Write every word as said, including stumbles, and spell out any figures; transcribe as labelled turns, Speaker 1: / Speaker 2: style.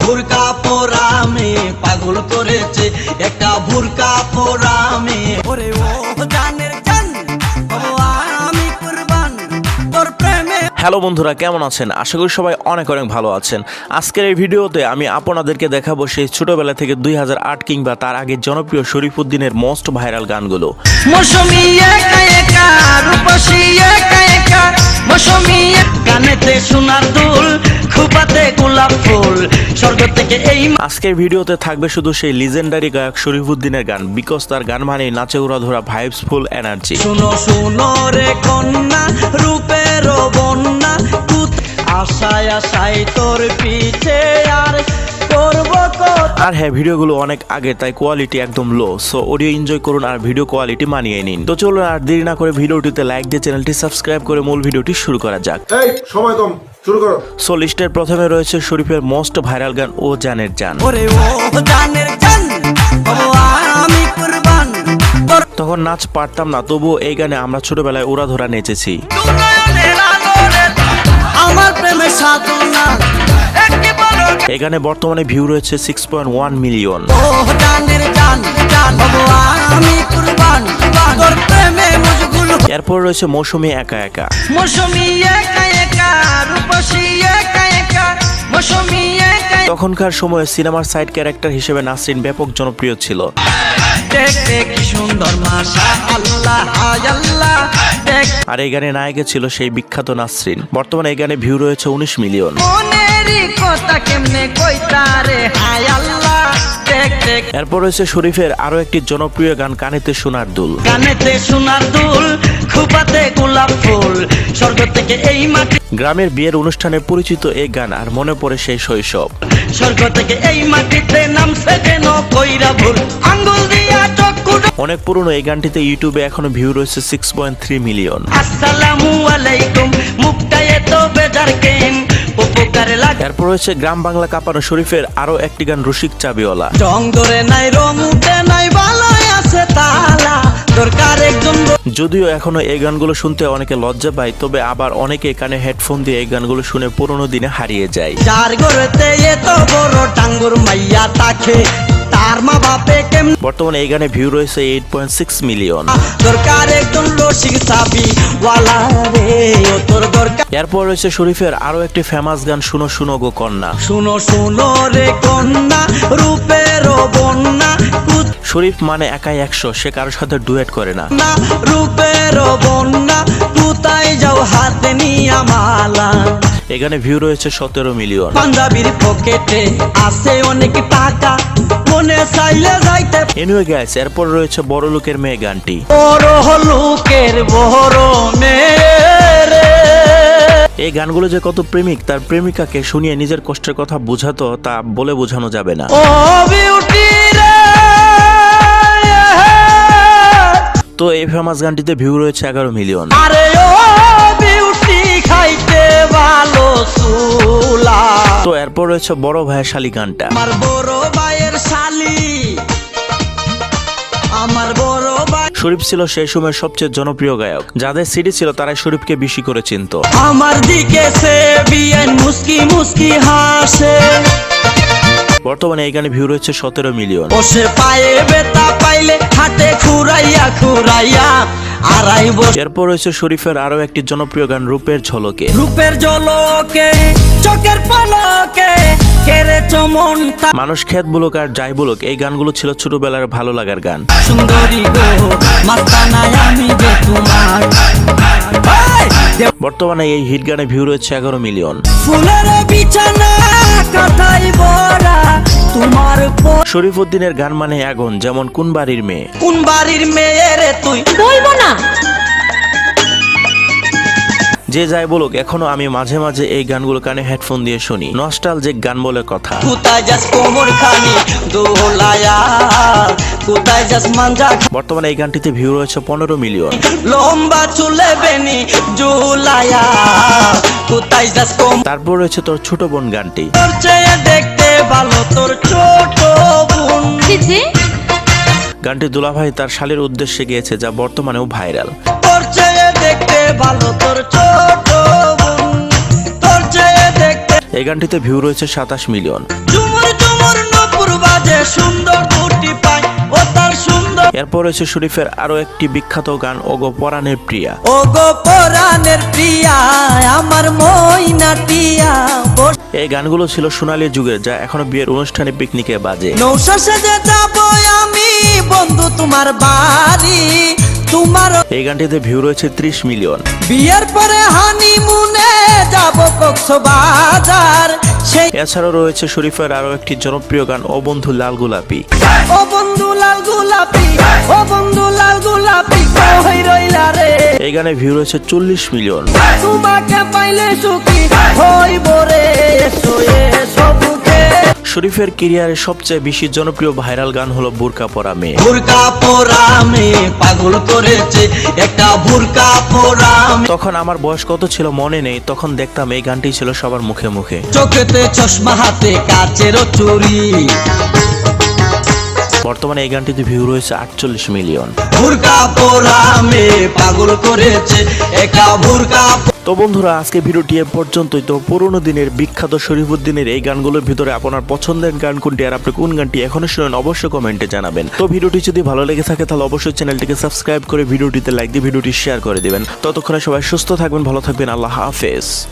Speaker 1: ভুরকা পোরামে পাগল করেছে একটা ভুরকা পোরামে। ওরে ও জানের জান ও আমি কুরবান তোর প্রেমে।
Speaker 2: হ্যালো বন্ধুরা, কেমন আছেন? আশা করি সবাই অনেক অনেক ভালো আছেন। আজকের এই ভিডিওতে আমি আপনাদেরকে দেখাবো সেই ছোটবেলা থেকে দুই হাজার আট কিংবা তার আগে জনপ্রিয় শরীফুদ্দিনের মোস্ট ভাইরাল গানগুলো।
Speaker 1: মৌসুমী একা একা রূপসী একা একা মৌসুমী গানেতে সোনার দুল খুপাতে গোলাপ ফুল স্বর্গ থেকে এই।
Speaker 2: আজকের ভিডিওতে থাকবে শুধু সেই লিজেন্ডারি গায়ক শরীফুদ্দিনের গান, বিকজ তার গান মানে নাচে উড়াধরা ভাইবস ফুল এনার্জি।
Speaker 1: শুনো শুনো রে কন্যা রূপের বন্যা আশায় আশায় তোর পিছে আর করব কত।
Speaker 2: আর হ্যাঁ, ভিডিওগুলো অনেক আগে, তাই কোয়ালিটি একদম লো, সো অডিও এনজয় করুন আর ভিডিও কোয়ালিটি মানিয়ে নিন। তো চলুন আর দেরি না করে ভিডিওটিতে লাইক দিয়ে চ্যানেলটি সাবস্ক্রাইব করে মূল ভিডিওটি শুরু করা যাক।
Speaker 3: এই সময় কম, শুরু করো।
Speaker 2: সো লিস্টের প্রথমে রয়েছে শরীফের মোস্ট ভাইরাল গান ও জানের জান।
Speaker 1: ওরে ও জানের জান ও আমি কুরবান।
Speaker 2: তখন নাচ পারতাম না, তবুও এই গানে আমরা ছোটবেলায় উড়াধরা নেচেছি।
Speaker 1: আমার প্রেমে সাধনা
Speaker 2: এই গানে বর্তমানে ভিউ রয়েছে সিক্স পয়েন্ট ওয়ান মিলিয়ন।
Speaker 1: ও জানের জান জান ও আমি কুরবান তোর প্রেমে মশগুল।
Speaker 2: এরপর রয়েছে মৌসুমী একা একা।
Speaker 1: মৌসুমী একা একা রূপসী একা একা মৌসুমী একা।
Speaker 2: তখনকার সময়ে সিনেমার সাইড ক্যারেক্টার হিসেবে নাসরিন ব্যাপক জনপ্রিয় ছিল।
Speaker 1: দেখতে কি সুন্দর মাশাআল্লাহ হায় আল্লাহ।
Speaker 2: আর এই গানে নায়িকা ছিল সেই বিখ্যাত নাসরিন। বর্তমানে এই গানে ভিউ রয়েছে উনিশ মিলিয়ন।
Speaker 1: মনেরই কথা কেমনে কইতা রে হায় আল্লাহ। দেখতে
Speaker 2: এরপর রয়েছে শরীফের আরো একটি জনপ্রিয় গান কানেতে সোনার দুল।
Speaker 1: কানেতে সোনার দুল খুপাতে গোলাপ ফুল স্বর্গ থেকে এই মাটি।
Speaker 2: গ্রামের বিয়ের অনুষ্ঠানে পরিচিত এই গান, আর মনে পড়ে সেই শৈশব।
Speaker 1: স্বর্গ থেকে এই মাটিতে নামছে যেন কইরা ভুল আঙ্গুল দিয়া চক্ষু।
Speaker 2: অনেক পুরনো এই গানটিতে ইউটিউবে এখনো ভিউ রয়েছে সিক্স পয়েন্ট থ্রি মিলিয়ন।
Speaker 1: আসসালামু আলাইকুম মুখটা এত বেজার কেন উপকারে লাগে।
Speaker 2: এরপর রয়েছে গ্রাম বাংলা কাঁপানো শরীফের আরো একটি গান রসিক চাবিওয়ালা।
Speaker 1: রং ধরে নাই রং উঠে নাই ভালোই আছে তালা দরকার একজন।
Speaker 2: যদিও এখনো এই গানগুলো শুনতে অনেকে লজ্জা পায়, তবে আবার অনেকে কানে হেডফোন দিয়ে এই গানগুলো শুনে পুরোনো দিনে হারিয়ে যায়।
Speaker 1: যার ঘরেতে এত বড় টাঙ্গুর মাইয়া তাকে তার মা বাপে কেমন।
Speaker 2: বর্তমানে এই গানে ভিউ রয়েছে এইট পয়েন্ট সিক্স মিলিয়ন।
Speaker 1: দরকার একজন রসিক চাবি ওয়ালা রে ও তোর দরকার।
Speaker 2: এরপর রয়েছে শরীফের আরো একটি ফেমাস গান শুনো শুনো গো কন্যা।
Speaker 1: শুনো শুনো রে কন্যা রূপের বন্যা।
Speaker 2: শরীফ মানে একাই একশো, সে কারোর সাথে ডুয়েট করে না।
Speaker 1: রূপের বন্যা কোথায় যাও হাতে নিয়া মালা।
Speaker 2: এখানে ভিউ রয়েছে সতেরো মিলিয়ন।
Speaker 1: পাঞ্জাবির পকেটে আছে অনেক টাকা মনে চাইলে যাইতে।
Speaker 2: এনিওয়ে গাইস, এরপর রয়েছে বড় লোকের মেয়ে গানটি।
Speaker 1: বড় লোকের বড় মেয়ে রে।
Speaker 2: এই গানগুলো যে কত প্রেমিক তার প্রেমিকাকে শুনিয়ে নিজের কষ্টের কথা বোঝাতো, তা বলে বোঝানো যাবে না।
Speaker 1: ও বিউটি রে।
Speaker 2: তো এই ফেমাস গানটিতে ভিউ রয়েছে এগারো মিলিয়ন।
Speaker 1: আরে ও বিউটি খাইতে ভালো সুলা।
Speaker 2: তো এরপর রয়েছে বড় ভাইয়ের শালি গানটা।
Speaker 1: আমার বড় ভাইয়ের শালি আমার বড় ভাই।
Speaker 2: শরীফ ছিল সেই সময়ের সবচেয়ে জনপ্রিয় গায়ক। যাদের সিডি ছিল তারাই শরীফকে বেশি করে চিনত।
Speaker 1: আমার দিকে সে বিয়ান মুস্কি মুস্কি হাসে।
Speaker 2: বর্তমানে এই গানে ভিউ রয়েছে সতেরো মিলিয়ন।
Speaker 1: বসে পায়ে বেতা পাইলে হাতে খুরাইয়া খুরাইয়া আড়াই বছর।
Speaker 2: এরপর রয়েছে শরীফের আরো একটি জনপ্রিয় গান রূপের ঝলকে।
Speaker 1: রূপের ঝলকে চোখের পলকে কেরে চমন।
Speaker 2: মানুষ খেত বলুক আর যাই বলুক, এই গানগুলো ছিল ছোটবেলার ভালো লাগার গান।
Speaker 1: সুন্দরী গো মাস্তানায় আমি যে তোমার।
Speaker 2: বর্তমানে এই হিট গানে ভিউ রয়েছে এগারো মিলিয়ন।
Speaker 1: ফুলের বিছানা কথাই বড়া তোমার।
Speaker 2: শরীফুদ্দিনের গান মানে আগুন, যেমন কোন বাড়ির মেয়ে।
Speaker 1: কোন বাড়ির মেয়ে রে তুই বলবো না।
Speaker 2: যে যাই বলুক, এখনো আমি মাঝে মাঝে এই গানগুলো কানে হেডফোন দিয়ে শুনি। নস্টালজিক গান বলে কথা।
Speaker 1: কোথায় যাস কোমর খানি দোলায়া কোথায় যাস মাঞ্জা।
Speaker 2: বর্তমানে এই গানটিতে ভিউ রয়েছে পনেরো মিলিয়ন।
Speaker 1: লম্বা চুলে বেনি জুলায়া কোথায় যাস কোম।
Speaker 2: তারপর রয়েছে তোর ছোট বোন গানটি।
Speaker 1: তোর চেয়ে দেখতে ভালো তোর ছোট বোন।
Speaker 2: গানটি দুলাভাই তার শালীর উদ্দেশ্যে গিয়েছে, যা বর্তমানেও ভাইরাল।
Speaker 1: তোর চেয়ে দেখতে ভালো তোর ছোট বোন। তোর চেয়ে দেখতে।
Speaker 2: এই গানটিতে ভিউ রয়েছে সাতাশ মিলিয়ন।
Speaker 1: ঝুমুর ঝুমুর নূপুর বাজে সুন্দর দুটি পায় ও তার সুন্দর।
Speaker 2: এরপর রয়েছে শরীফের আরো একটি বিখ্যাত গান ওগো পরাণের প্রিয়া।
Speaker 1: ও গো পরাণের প্রিয়া আমার ময়না টিয়া।
Speaker 2: এই গানগুলো ছিল সোনালী যুগের, যা এখনো বিয়ের অনুষ্ঠানে পিকনিকে বাজে।
Speaker 1: নৌশা সেজে যাবো আমি বন্ধু তোমার বাড়ি, তোমার
Speaker 2: এই গানটিতে ভিউ রয়েছে ত্রিশ মিলিয়ন।
Speaker 1: বিয়ের পরে হানিমুনে যাবো কক্সবাজার। সেই
Speaker 2: এছাড়াও রয়েছে শরীফের আরো একটি জনপ্রিয় গান ও বন্ধু লাল গোলাপি।
Speaker 1: ও বন্ধু লাল গোলাপি, ও বন্ধু লাল গোলাপি কই রইলা রে।
Speaker 2: এই গানে ভিউ রয়েছে চল্লিশ মিলিয়ন।
Speaker 1: তোমাকে পাইলে সুখী হইব রে, এসো এসো বুকে।
Speaker 2: শরীফের ক্যারিয়ারের সবচেয়ে বেশি জনপ্রিয় ভাইরাল গান হলো বুরকা পরা মেয়ে।
Speaker 1: বুরকা পরা মেয়ে পাগল করেছে একটা বুরকা পরা মেয়ে।
Speaker 2: তখন আমার বয়স কত ছিল মনে নেই, তখন দেখতাম এই গানটি ছিল সবার মুখে মুখে।
Speaker 1: চোখেতে চশমা হাতে কাচের চুরি।
Speaker 2: বর্তমানে এই গানটিতে ভিউ রয়েছে আটচল্লিশ মিলিয়ন।
Speaker 1: বুরকা পরা মেয়ে পাগল করেছে একটা বুরকা।
Speaker 2: তো বন্ধুরা, আজকে ভিডিওটি এ পর্যন্তই। তো পুরোনো দিনের বিখ্যাত শরীফুদ্দিনের এই গানগুলোর ভিতরে আপনার পছন্দের গান কোনটি আর আপনি কোন গানটি এখনো শুনেন অবশ্যই কমেন্টে জানাবেন। তো ভিডিওটি যদি ভালো লেগে থাকে তাহলে অবশ্যই চ্যানেলটিকে সাবস্ক্রাইব করে ভিডিওটিতে লাইক দিয়ে ভিডিওটি শেয়ার করে দিবেন। ততক্ষণে সবাই সুস্থ থাকবেন, ভালো থাকবেন, আল্লাহ হাফেজ।